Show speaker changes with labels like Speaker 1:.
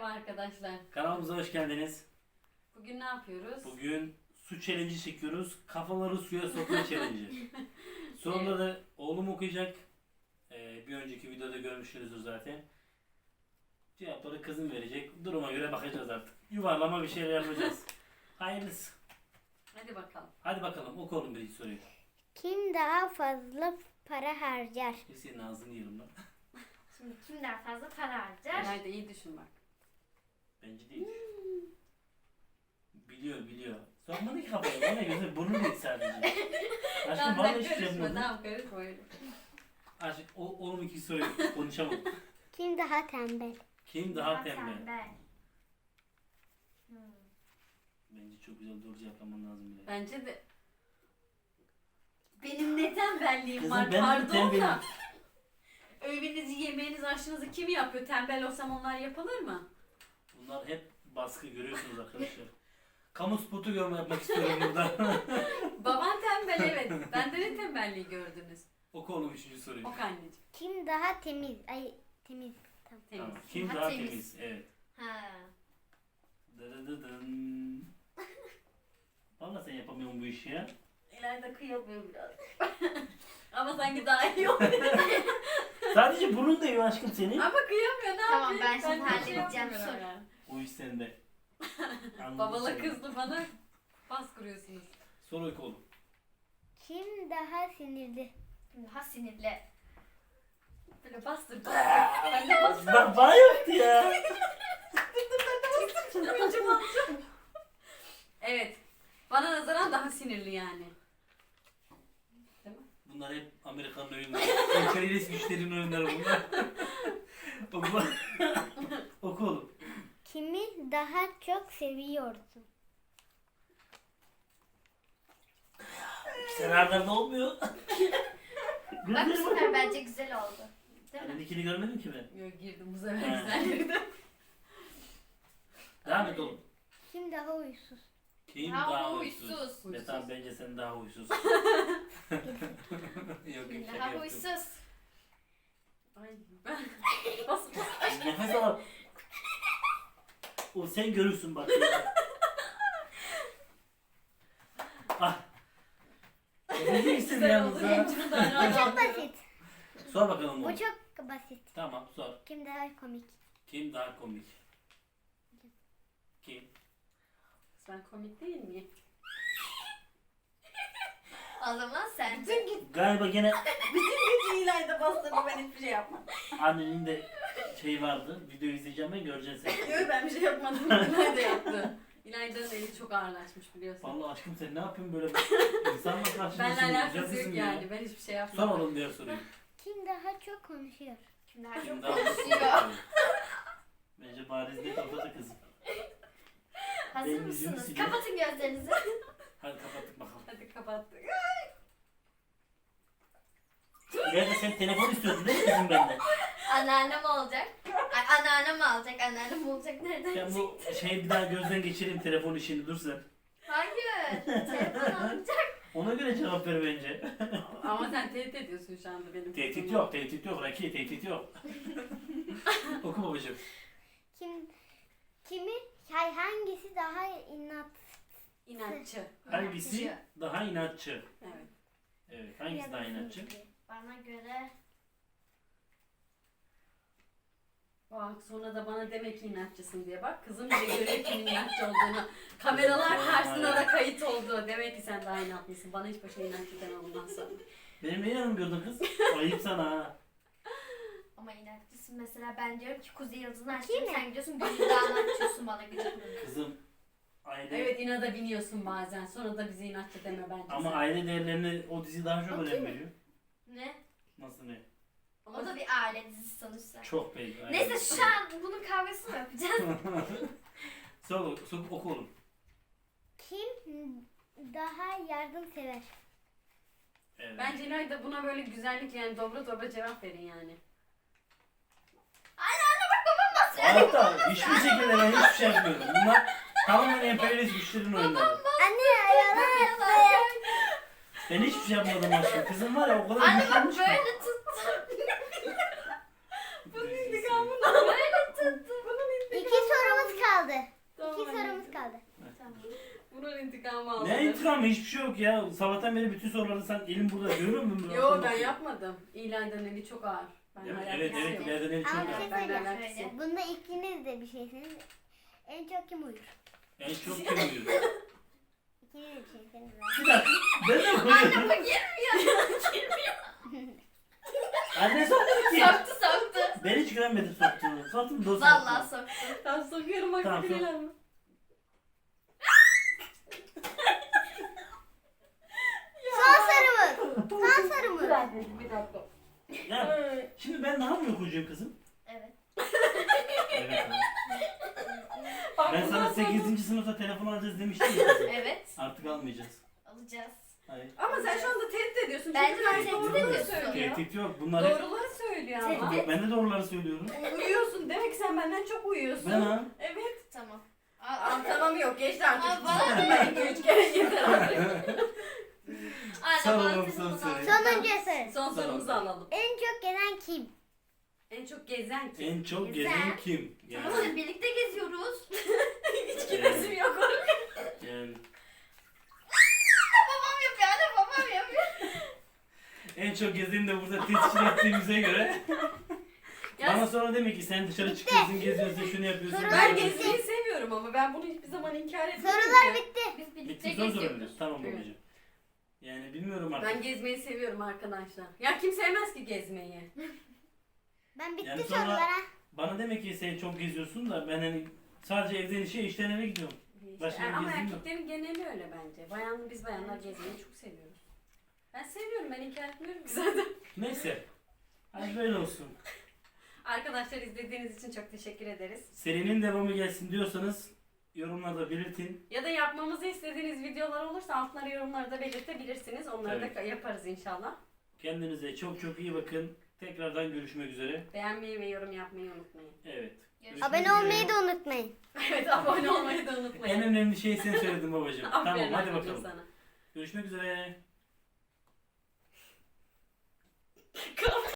Speaker 1: arkadaşlar.
Speaker 2: Kanalımıza hoş geldiniz.
Speaker 1: Bugün ne yapıyoruz?
Speaker 2: Bugün su challenge'i çekiyoruz. Kafaları suya sokma challenge'i. Soruları oğlum okuyacak. Bir önceki videoda görmüşsünüzdür zaten. Cevapları kızım verecek. Duruma göre bakacağız artık. Yuvarlama bir şeyler yapacağız. Hayırlısı.
Speaker 1: Hadi bakalım.
Speaker 2: Hadi bakalım oku oğlum birinci soruyu.
Speaker 3: Kim daha fazla para harcar?
Speaker 2: Senin ağzını yiyelim lan.
Speaker 4: Şimdi kim daha fazla para harcar?
Speaker 1: İlayda iyi düşün bak.
Speaker 2: Bence değil. Biliyor. Sokmadı ki kafaya. Bana gözü burnu değil sadece. Aşkım
Speaker 1: Tamam
Speaker 2: vallahi
Speaker 1: sen
Speaker 2: hiçbir şey
Speaker 1: karışma.
Speaker 2: yapmadım.
Speaker 1: Tamam karışma öyle.
Speaker 2: Aşkım oğlum iki soruyu konuşamam.
Speaker 3: Kim daha tembel?
Speaker 2: Kim daha tembel?
Speaker 4: Hmm.
Speaker 2: Bence çok güzel doğru cevaplaman lazım bile.
Speaker 1: Bence de benim ne tembelliğim
Speaker 2: Kızım,
Speaker 1: var
Speaker 2: ben de
Speaker 1: pardon
Speaker 2: tembelim.
Speaker 1: da. Öğününüzü, yemeğinizi, aşınızı kim yapıyor? Tembel olsam onlar yapılır mı?
Speaker 2: Bunlar hep baskı görüyorsunuz arkadaşlar. Kamu spotu yapmak istiyorum burada.
Speaker 1: Baban tembel evet. Bende ne tembelliği gördünüz?
Speaker 2: Oku oğlum üçüncü soruyu.
Speaker 1: Ok anneciğim.
Speaker 3: Kim daha temiz? Ay temiz. Tamam.
Speaker 1: Temiz.
Speaker 2: Tamam. Kim
Speaker 4: Daha
Speaker 2: daha
Speaker 4: temiz.
Speaker 2: temiz? Evet.
Speaker 4: Ha.
Speaker 2: Dıdıdıdın. Valla sen yapamıyorsun bu işi ya.
Speaker 1: İlayda kıyamıyor biraz. Ama sanki daha iyi oldu.
Speaker 2: Sadece burnun değiyor aşkım senin.
Speaker 1: Ama kıyamıyor ne
Speaker 4: Tamam,
Speaker 1: yapayım?
Speaker 4: ben şimdi
Speaker 1: de şey
Speaker 4: halledeceğim,
Speaker 1: yapmıyorum
Speaker 4: sor.
Speaker 1: yani.
Speaker 2: O iş sende. Anladım
Speaker 1: Babala
Speaker 2: seni.
Speaker 1: kızdı bana bas kuruyorsunuz.
Speaker 2: Soru oku oğlum.
Speaker 3: Kim daha sinirli?
Speaker 4: Kim daha sinirli?
Speaker 1: Böyle bastır bastır. Ben de bastır.
Speaker 2: Bana yaptı ya.
Speaker 1: Evet. Bana nazaran daha sinirli yani. Değil mi?
Speaker 2: Bunlar hep Amerikan oyunları. Emperyalist güçlerin oyunları bunlar. Oku. Oku oğlum.
Speaker 3: Kimi daha çok seviyorsun?
Speaker 2: Sen ardında olmuyor.
Speaker 4: Bak bu sefer bence güzel oldu. Değil mi?
Speaker 2: Anneninkini görmedim ki ben.
Speaker 1: Yok girdim bu sefer
Speaker 2: He.
Speaker 1: güzel girdim.
Speaker 2: Devam et oğlum.
Speaker 3: Kim daha huysuz?
Speaker 2: Kim
Speaker 4: Daha
Speaker 2: daha
Speaker 4: huysuz.
Speaker 2: huysuz? Metan bence sen daha huysuz. Yok
Speaker 4: Kim
Speaker 2: şaka
Speaker 4: daha
Speaker 2: yaptım.
Speaker 4: huysuz?
Speaker 1: Ay ben bas bas.
Speaker 2: Nefes al. O sen görürsün bak. Ah. Ne diyeceksin
Speaker 1: Güzel oldu.
Speaker 2: yalnız
Speaker 1: Benim
Speaker 2: ha?
Speaker 1: için daha
Speaker 3: Bu
Speaker 1: rahat
Speaker 3: çok
Speaker 1: oldu.
Speaker 3: basit.
Speaker 2: Sor bakalım
Speaker 3: Bu
Speaker 2: oğlum.
Speaker 3: çok basit.
Speaker 2: Tamam sor.
Speaker 3: Kim daha komik?
Speaker 2: Kim daha komik? Kim?
Speaker 1: Ben komik değil miyim?
Speaker 4: O zaman sen.
Speaker 2: Galiba gene
Speaker 1: Bütün İlayda bastırdı ben hiçbir şey yapmadım.
Speaker 2: annenin de şey vardı. Video izleyeceğim ben göreceksin sen.
Speaker 1: Yok ben bir şey yapmadım. İlayda yaptı. İlayda'nın eli çok ağırlaşmış biliyorsun.
Speaker 2: Vallahi aşkım sen ne yapıyorsun böyle insanla karşılaşıyorsun.
Speaker 1: Benle alakası
Speaker 2: güzelsin
Speaker 1: yok
Speaker 2: ya.
Speaker 1: yani. Ben hiçbir şey
Speaker 2: Sor
Speaker 1: yapmadım.
Speaker 2: oğlum diğer soruyu.
Speaker 3: Kim daha çok konuşuyor?
Speaker 4: Kim daha
Speaker 2: Kim
Speaker 4: çok
Speaker 2: daha
Speaker 4: konuşuyor?
Speaker 2: konuşuyor? Bence bariz net ortada kızım.
Speaker 4: Hazır
Speaker 2: Benim yüzümü
Speaker 4: mısınız?
Speaker 2: siliyor.
Speaker 4: Kapatın gözlerinizi.
Speaker 2: Hadi kapattık bakalım.
Speaker 1: Hadi kapattık.
Speaker 2: İleride sen telefon istiyordun değil mi kızım benden?
Speaker 4: Anneannem olacak. Ay, anneannem alacak. Anneannem olacak. Nereden
Speaker 2: Ben
Speaker 4: çıktı?
Speaker 2: bu şeyi bir daha gözden geçireyim telefon işini dur sen.
Speaker 4: Hayır. Telefon alacak.
Speaker 2: Ona göre cevap ver bence.
Speaker 1: Ama sen tehdit ediyorsun şu anda benim.
Speaker 2: Tehdit yok, tehdit yok. Raki, tehdit yok. Oku babacığım.
Speaker 3: Hangisi daha inat?
Speaker 1: İnatçı.
Speaker 2: Hangisi
Speaker 4: İnatçı.
Speaker 2: daha inatçı?
Speaker 1: Evet.
Speaker 2: Evet, hangisi daha inatçı?
Speaker 4: Bana göre
Speaker 1: Bak sonra da bana demek ki inatçısın diye bak. Kızım bile görüyor kimin inatçı olduğunu. Kameralar karşısında da kayıt oldu. Demek ki sen daha inatlısın. Bana hiç başa inatçı deme bundan sonra.
Speaker 2: Benim ne yanım gördün kız? Ayıp sana ha.
Speaker 4: ama inatçısın. Mesela ben diyorum ki Kuzey Yıldız'ını
Speaker 3: Bakayım
Speaker 4: açtım.
Speaker 3: mı?
Speaker 4: Sen gidiyorsun Gülüdağ'ını açıyorsun bana gıcık.
Speaker 2: Kızım aile
Speaker 1: Evet inada biniyorsun bazen. Sonra da bizi inatçı deme bence.
Speaker 2: ama
Speaker 1: sen.
Speaker 2: aile değerlerine o dizi daha çok
Speaker 3: Okey
Speaker 2: önem
Speaker 3: mi?
Speaker 2: veriyor.
Speaker 4: Ne?
Speaker 2: Nasıl ne?
Speaker 1: Ama
Speaker 4: O da bir aile dizisi sonuçta.
Speaker 2: Çok belli. aile.
Speaker 4: Neyse şu an bunun kavgasını mı yapacağız?
Speaker 2: Sor oku oğlum.
Speaker 3: Kim daha yardımsever?
Speaker 2: Evet.
Speaker 1: Bence İlayda buna böyle güzellik yani dobra dobra cevap verin yani.
Speaker 2: Hayatta hiçbir şekilde ben hiçbir şey yapmıyorum. Bunlar tamamen emperyalist güçlerin oyunları.
Speaker 3: Anne yalan.
Speaker 2: Ben hiçbir şey yapmadım aşkım. Kızım var ya o kadar
Speaker 4: Anne bak
Speaker 2: güçlenmiş ki.
Speaker 4: böyle tuttum.
Speaker 1: Bunun intikamını
Speaker 4: Böyle tuttum.
Speaker 3: İki soru
Speaker 2: kalma, hiçbir şey yok ya. Sabahtan beri bütün soruları sen elin burada görüyor musun?
Speaker 1: Yo ben yapmadım. İlayda'nın eli çok ağır. Ben
Speaker 2: Evet
Speaker 1: alakası
Speaker 2: evet
Speaker 1: yok.
Speaker 2: ileriden eli çok
Speaker 3: Ama bir
Speaker 2: var.
Speaker 3: şey
Speaker 1: Ben
Speaker 3: söyleyeceğim.
Speaker 1: alakası yok.
Speaker 3: Bunda ikiniz de bir şeysiniz. En çok kim uyur?
Speaker 2: En çok kim uyuyor?
Speaker 3: İkiniz de bir şeysiniz.
Speaker 2: Bir dakika. Ben de uyuyorum.
Speaker 4: Bu girmiyor.
Speaker 2: Anne soktu ki.
Speaker 4: Soktu.
Speaker 2: Ben hiç güvenmedim soktuğunu. Soktum da o
Speaker 4: Vallahi
Speaker 2: soktu.
Speaker 4: soktu.
Speaker 1: Ben sokuyorum bak
Speaker 2: Tamam,
Speaker 1: tamam, mi?
Speaker 3: Son sarımız. Son sarımız.
Speaker 1: Bir dakika.
Speaker 2: Ya şimdi ben daha mı okuyacağım kızım?
Speaker 4: Evet.
Speaker 2: Evet.
Speaker 1: Bak,
Speaker 2: Ben sana
Speaker 1: bundan sonra-
Speaker 2: 8. sınıfta telefon alacağız demiştim ya kızım.
Speaker 4: Evet.
Speaker 2: Artık almayacağız.
Speaker 4: Alacağız.
Speaker 2: Hayır.
Speaker 1: Ama sen şu anda tehdit ediyorsun.
Speaker 4: Bence
Speaker 1: Çünkü
Speaker 4: sen
Speaker 1: ben
Speaker 4: tehdit
Speaker 1: doğruları
Speaker 4: ediyorsun.
Speaker 1: söylüyor.
Speaker 2: Tehdit yok. Bunlar hep...
Speaker 1: Doğruları söylüyor ama.
Speaker 4: Tehdit.
Speaker 2: Ben de doğruları söylüyorum.
Speaker 1: Uyuyorsun. Demek ki sen benden çok uyuyorsun.
Speaker 2: Ben ha.
Speaker 1: Evet.
Speaker 4: Tamam.
Speaker 1: Tamam yok geçti artık.
Speaker 4: Aa, bana
Speaker 1: Ben 2-3 kere yeter artık.
Speaker 4: Anne
Speaker 2: Sağ
Speaker 4: bana
Speaker 2: olun,
Speaker 4: telefonu
Speaker 2: son
Speaker 4: al.
Speaker 2: soru.
Speaker 3: Sonuncu soru.
Speaker 1: Son sorumuzu alalım.
Speaker 3: En çok gelen kim?
Speaker 1: En çok gezen kim?
Speaker 2: En çok
Speaker 4: Güzel.
Speaker 2: gezen kim?
Speaker 4: Tamam hadi birlikte geziyoruz.
Speaker 1: Hiç gidesim yok.
Speaker 2: Yani
Speaker 4: Babam yapıyor anne babam yapıyor.
Speaker 2: en çok gezeni de burada tescil ettiğimize göre
Speaker 1: Ya
Speaker 2: bana sonra demek ki sen dışarı çıkıyorsun, geziyorsun, şunu yapıyorsun.
Speaker 3: Sorular
Speaker 2: bunu
Speaker 1: ben
Speaker 2: yapıyorsun.
Speaker 1: gezmeyi seviyorum ama ben bunu hiçbir zaman inkar etmiyorum.
Speaker 3: Sorular
Speaker 1: ki.
Speaker 3: bitti.
Speaker 4: Biz birlikte
Speaker 2: Bitti son
Speaker 4: geziyoruz.
Speaker 2: sorumuz. Tamam
Speaker 1: Evet.
Speaker 2: babacığım. Yani bilmiyorum artık.
Speaker 1: Ben gezmeyi seviyorum arkadaşlar. Ya kim sevmez ki gezmeyi?
Speaker 3: Ben bitti
Speaker 2: Yani sonra-
Speaker 3: sorulara.
Speaker 2: Bana demek ki sen çok geziyorsun da ben hani sadece evden işe, işten eve gidiyorum. Başka bir
Speaker 1: Ama
Speaker 2: gezdiğim yok.
Speaker 1: erkeklerin geneli öyle bence. Biz bayanlar gezmeyi çok seviyoruz. Ben seviyorum, ben inkar etmiyorum ki zaten.
Speaker 2: Neyse. Hadi böyle olsun.
Speaker 1: Arkadaşlar izlediğiniz için çok teşekkür ederiz.
Speaker 2: Serinin devamı gelsin diyorsanız yorumlarda belirtin.
Speaker 1: Ya da yapmamızı istediğiniz videolar olursa altlara yorumlarda belirtebilirsiniz. Onları da yaparız inşallah.
Speaker 2: Kendinize çok çok iyi bakın. Tekrardan görüşmek üzere.
Speaker 1: Beğenmeyi ve yorum yapmayı unutmayın.
Speaker 2: Evet.
Speaker 4: Görüşmek
Speaker 3: Abone
Speaker 2: üzere.
Speaker 3: olmayı da unutmayın.
Speaker 1: Evet, abone olmayı da unutmayın.
Speaker 2: En önemli şeyi sen söyledin babacığım. Tamam
Speaker 1: Aferin
Speaker 2: hadi
Speaker 1: anneciğim
Speaker 2: bakalım.
Speaker 1: sana.
Speaker 2: Görüşmek üzere.